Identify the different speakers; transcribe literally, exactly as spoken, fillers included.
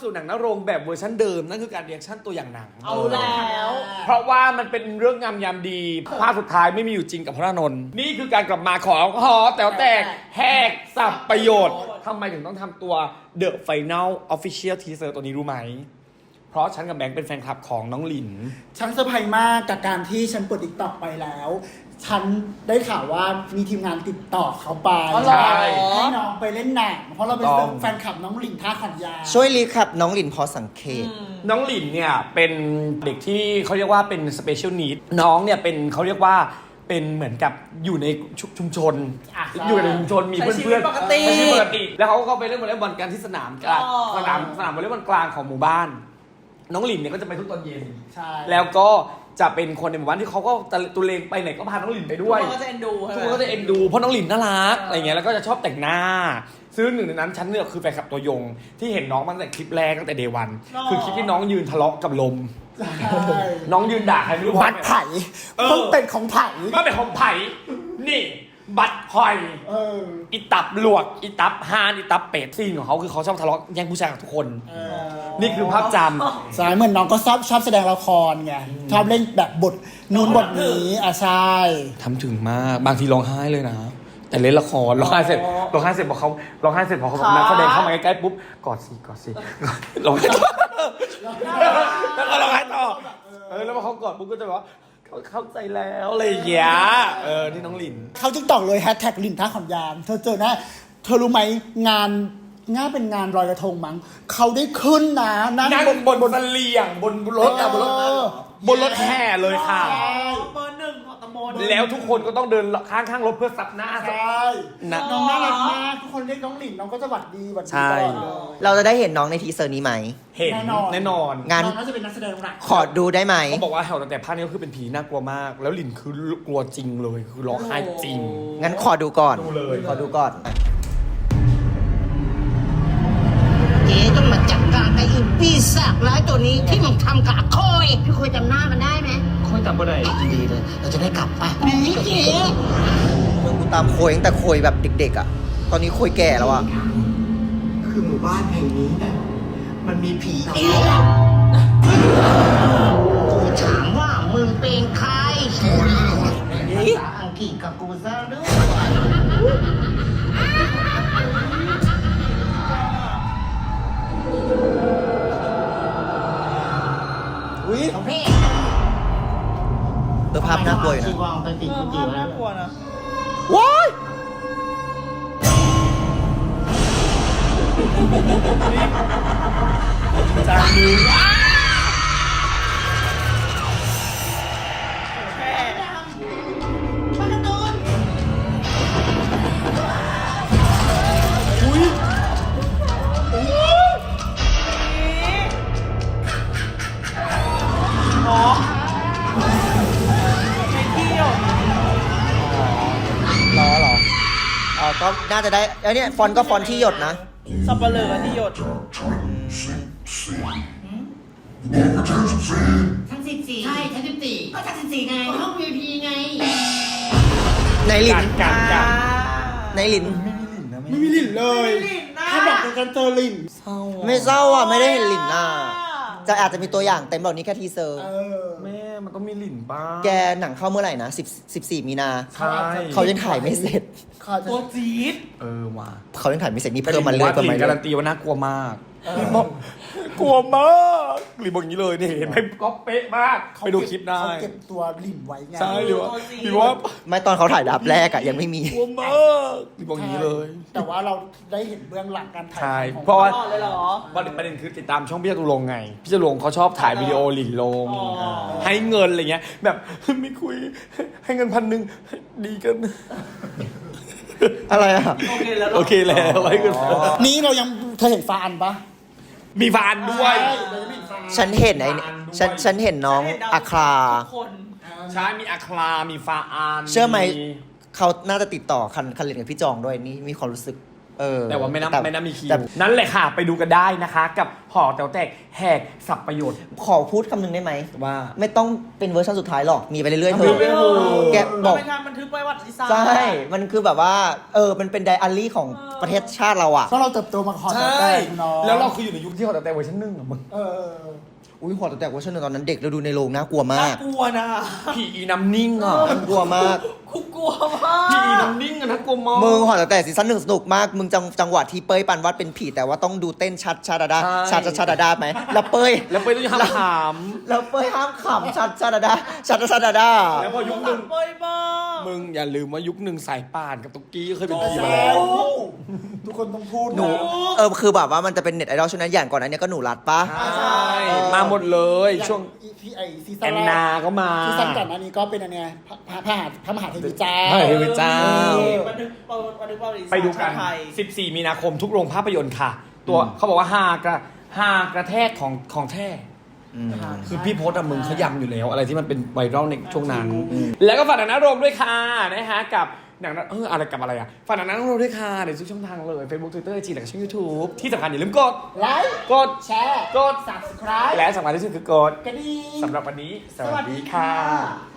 Speaker 1: สู่หนังนโรงแบบเวอร์ชันเดิมนั่นคือการเรียกชั่นตัวอย่างหนัง
Speaker 2: เอาแล้ว
Speaker 1: เพราะว่ามันเป็นเรื่องงามยามดีภาคสุดท้ายไม่มีอยู่จริงกับพระนนท์นี่คือการกลับมาของหอแต๋วแตกแหกสับประโยชน์ทำไมถึงต้องทำตัว The Final Official Teaser ตัวนี้รู้ไหมเพราะฉันกับแบงค์เป็นแฟนคลับของน้องหลิน
Speaker 3: ฉันเซอร์ไพรส์มากกับการที่ฉันเปิดติ๊กต็อกไปแล้วฉันได้ข่าวว่ามีทีมงานติดต่อเขาไป
Speaker 1: ใช่
Speaker 3: ให้น้องไปเล่นหนังเพราะเราเป็นแฟนคลับน้องหลินท่าขันยา
Speaker 4: ช่วยรีแคปน้องหลินพอสังเกต
Speaker 1: น้องหลินเนี่ยเป็นเด็กที่เขาเรียกว่าเป็น special need น้องเนี่ยเป็นเขาเรียกว่าเป็นเหมือนกับอยู่ในชุมชนอยู่ในชุมชนมีเพื่อนๆ
Speaker 2: ปกติ
Speaker 1: ใช้ชีวิตปกติแล้วเขาก็เข้าไปเล่นวอลเลย์บอลกันที่สนามกลางสนามสนามวอลเลย์บอลกลางของหมู่บ้านน้องหลินเนี่ยก็จะไปทุกตอนเย็นแล้วก็จะเป็นคนในหมู่บ้านที่เขาก็ตุเลงไปไหนก็พาน้องหลินไปด้วย
Speaker 2: ทุกคนก็จะเอ็นดูใช่ไหม
Speaker 1: ทุกคนก็จะเอ็นดูเพราะน้องหลินน่ารักอะไรเงี้ยแล้วก็จะชอบแต่งหน้าซึ่งหนึ่งในนั้นฉันเนี่ยคือแฟนคลับตัวยงที่เห็นน้องมาตั้งแต่คลิปแรกตั้งแต่เดวันคือคลิปที่น้องยืนทะเลาะกับลมน้องยืนด่าใครไม่รู้
Speaker 3: บัตรไผ่ต้องเป็นของไผ่
Speaker 1: ก็เป็นของไผ่นี่บัตรหอยอีตับหลวกอีตับฮานอีตับเป็ดซีนของเขาคือเขาชอบทะเลาะแย่งผู้ชายกับทุกคนนี่คือภาพจำ
Speaker 3: สายเหมือนน้องก็ชอบชอบแสดงละครไงชอบเล่นแบบบทนู้นบทนี้อ่ะใช่
Speaker 1: ทำถึงมากบางทีร้องไห้เลยนะแต่เล่นละครร้องไห้เสร็จร้องไห้เสร็จพอเขาร้องไห้เสร็จพอเขานักแสดงเข้ามาใกล้ๆปุ๊บกอดสิกอดสิร้องไห้ต่อแล้วก็ร้องไห้ต่อเออแล้วพอเขากอดปุ๊บก็จะบอกว่าเข้าใจแล้วอะไรอย่างเงี้ยเออที่น้องหลิน
Speaker 3: เขาจึงตอกเลยแฮชแท็กหลินท่าขอนยามเธอเจอนะเธอรู้ไหมงานง่าเป็นงานลอยกระทงมั้งเขาได้ขึ้นนะนั่งบน
Speaker 1: บนบนเสลียงบนรถอะบนรถบนรถแห่เลยค่ะ
Speaker 2: เบอร์หนึ่งของตำบล
Speaker 1: แล้วทุกคนก็ต้องเดินข้างข้างรถเพื่อซับหน้า
Speaker 3: ใช่น้องน่ารักมากทุกคนเรียกน้องหลินน้องก็จะหวัดดีหวัดดีตลอดเลย
Speaker 4: เราจะได้เห็นน้องในทีเซอร์นี้ไหม
Speaker 1: เห็นแน่นอน
Speaker 3: งานน้องน่าจะเป็นนักแสดงหลัก
Speaker 4: ขอดูได้ไหม
Speaker 1: เขาบอกว่าแถวแต่ภาคนี้ก็คือเป็นผีน่ากลัวมากแล้วหลินคือกลัวจริงเลยคือร้องไห้จริง
Speaker 4: งั้นขอดูก่อน
Speaker 1: ดูเลย
Speaker 4: ขอดูก่อน
Speaker 5: เจ๊ต้องมาจัดการไอ้อีปีศาจร้ายตัวนี้ที่มันทำกับโคยพี่โคยจำหน้ามันได้ไหม
Speaker 1: โคยจำไม่ได้
Speaker 5: ดีเลยเราจะได้กลับไปนี่เจ๊
Speaker 4: มึงกูตามโคยตั้งแต่โคยแบบเด็กๆอ่ะตอนนี้โคยแก่แล้วอ่ะ
Speaker 5: คือหมู่บ้านแห่งนี้เนี่ยมันมีผีกูถามว่ามึงเป็นใครภาษาอังกฤษกับกูซะด้วย
Speaker 4: อุ้ยตัวภาพน่ากลัวอยู่นะ
Speaker 2: ไปติดกุฏิน่ากลัวนะ
Speaker 4: ว้าย
Speaker 1: จางมือ
Speaker 4: ก็น่าจะได้ไอ้นี่ฟอนต์ก็ฟอนต์ที่หยดนะ
Speaker 2: สับปะเลอที่หยด
Speaker 5: ชั้นสิบสี่ใช่ชั้นสิบสี่ก็ชั้นสิบสี่ไงห้อง วี ไอ พี ไง
Speaker 4: ในหลิน
Speaker 1: กันกัน
Speaker 4: ในหลิน
Speaker 3: ไม่มีหลินเลยถ้าบอกกันเจอหลิน
Speaker 4: ไม่เศร้าอ่ะไม่ได้เห็นหลินอ่ะจะอาจจะมีตัวอย่างเต็มแบบนี้แค่ทีเซอร์
Speaker 1: แม่มันต้องมีหลินบ้าง
Speaker 4: แกหนังเข้าเมื่อไหร่นะสิบ สิบสี่มีนา
Speaker 1: ใช่
Speaker 4: เขายังถ่ายไม่เสร็จ
Speaker 2: ตัวจี๊ด
Speaker 1: เออว่ะ
Speaker 4: เขายังถ่ายไม่เสร็จนี่เพิ่มมาเรื่อย
Speaker 1: ๆประมาณการันตีว่าน่ากลัวมากบอกกลัวมากหลินบอกอย่างนี้เลยเนี่ยเห็นไหมก๊อปเป๊ะมากไปดูคลิปได้
Speaker 3: เขาเก็บตัวหลินไว้ไง
Speaker 1: ใช่หรือว่าหรือว่า
Speaker 4: ไม่ตอนเขาถ่ายดับแรกอะยังไม่มี
Speaker 1: กลัวมากหลินบอกอย่างนี้เลย
Speaker 3: แต่ว่าเราได้เห็นเบื้องหลังการถ่าย
Speaker 1: ใช่เพราะว่าประเด็นคือติดตามช่องพี่จตุรงค์ไงพี่จตุรงค์เขาชอบถ่ายวิดีโอหลินลงให้เงินอะไรเงี้ยแบบไม่คุยให้เงินพันหนึ่งดีกัน
Speaker 4: อะไรอะ
Speaker 2: โอเคแล้ว
Speaker 1: โอเคแล้วไว้กัน
Speaker 3: นี้เรายังเธอเห็นฟานปะ
Speaker 1: มีฟานด้วย
Speaker 4: ฉันเห็นไอ้ฉันฉันเห็นน้องอัครา
Speaker 1: ใช่มีอัครามีฟาอาน
Speaker 4: เชื่อไหมเขาน่าจะติดต่อคันคันเล่นกับพี่จองด้วยนี่มีความรู้สึกเออ
Speaker 1: แต่ว่าไม่น่า
Speaker 4: แต่
Speaker 1: ไม่น่ามีคิว
Speaker 4: แต่
Speaker 1: นั่นแหละค่ะ ไปดูกันได้นะคะ กับหอแต๋วแตกแหกสับประโยชน์
Speaker 4: ขอพูดคำหนึงได้ไหม
Speaker 1: ว่า
Speaker 4: ไม่ต้องเป็นเวอร์ชันสุดท้ายหรอก มีไปเรื่อยๆเถ
Speaker 1: ไม่
Speaker 4: อะ
Speaker 1: ไม่โห
Speaker 4: แกบอก
Speaker 2: เป็นการบันทึกประวัติศาสตร์
Speaker 4: ใช่ มันคือแบบว่า เออ มันเป็นไดอารี่ของประเทศชาติเราอ่ะ
Speaker 3: เพราะเราเติบโตมาขอ
Speaker 1: ใช่
Speaker 3: แต่เนาะ
Speaker 1: แล้วเราคืออยู่ในยุคที่หอแต๋วแตกเวอร์ชันหนึ่งอะมึง
Speaker 3: เออ
Speaker 4: อุ้ยหอแต่เวอร์ชันหนึ่งตอนนั้นเด็กเราดูในโรงน่ากลัวมา
Speaker 2: น่าก กลัวนะ
Speaker 1: ผีอีน้ำนิ่งอ่ะ
Speaker 4: น่ากลัวมาก
Speaker 2: กูกลัวมาก
Speaker 1: ผีอีน้ำนิ่งอ่ะน่ากลัวมาก
Speaker 4: มึงหอแต่ซีซั่นหนึ่งสนุกมาก มึงจังจังหวะที่เป้ยปันวัดเป็นผีแต่ว่าต้องดูเต้นชัดชาดาดา
Speaker 1: ใช่
Speaker 4: ชัดชาดาดาไหมแล้วเป้ย
Speaker 1: แล้วไปต้องห้ามถาม
Speaker 4: แล้วเป้ยห้ามขำชัดชาดาดาชัดชาดาดา
Speaker 1: แล้วพอยุคหนึ่ง
Speaker 2: เป้ยบ้า
Speaker 1: มึงอย่าลืมว่ายุคหนึ่งสายป่านกับตุ๊กกี้เคยเป็นผี
Speaker 3: ใช่
Speaker 1: มาแล้ว
Speaker 3: ทุกคนต้องพูด
Speaker 4: หนู
Speaker 3: นะ
Speaker 4: เออคือแบบว่ามันจะเป็นเน็ตไอดอลช่วงนั้นอย่างก่อนนั้นเนี่ยก็หนูรัดปะ
Speaker 1: ใช่มาหมดเลยช่วง
Speaker 3: ที่ไอซีซั่
Speaker 1: แอน น
Speaker 3: แร
Speaker 1: นาก ก็มา
Speaker 3: ซีซั่นก่อนหน้านี้ก็เป็นอันเนี้ยพระพระพระมหาพระมหาเทวีเจ้า
Speaker 1: พระมหาเทวีเจ้า
Speaker 2: บันทึกบันทึกประวัติศาสตร์
Speaker 1: ไปดูกัน
Speaker 2: ไทย
Speaker 1: สิบสี่ มีนาคมทุกโรงภาพยนตร์ค่ะ ตัวเขาบอกว่าฮากระฮากระแทกของของแท้
Speaker 4: อืม
Speaker 1: คือพี่โพสต์อะมึงเขายำอยู่แล้ว อะไรที่มันเป็นไวรัลในช่วงนั้น แล้วก็ฝากหนังหน้าโรงด้วยค่ะนะฮะกับหนังหน้าเอออะไรกับอะไรอะฝากหนังหน้าโรงด้วยค่ะในทุกช่องทางเลย Facebook Twitter จีแล้วก็ช่อง YouTube ที่สำคัญอย่าลืมกด
Speaker 3: ไลค์
Speaker 1: กด
Speaker 3: แชร์
Speaker 1: กด
Speaker 3: subscribe
Speaker 1: และสำคัญที่สุดคือกด
Speaker 3: กระดิ่ง
Speaker 1: สำหรับวันนี้ ส
Speaker 3: สวั
Speaker 1: วัส
Speaker 3: สดี
Speaker 1: ดี
Speaker 3: ค่ะ
Speaker 1: ค่ะ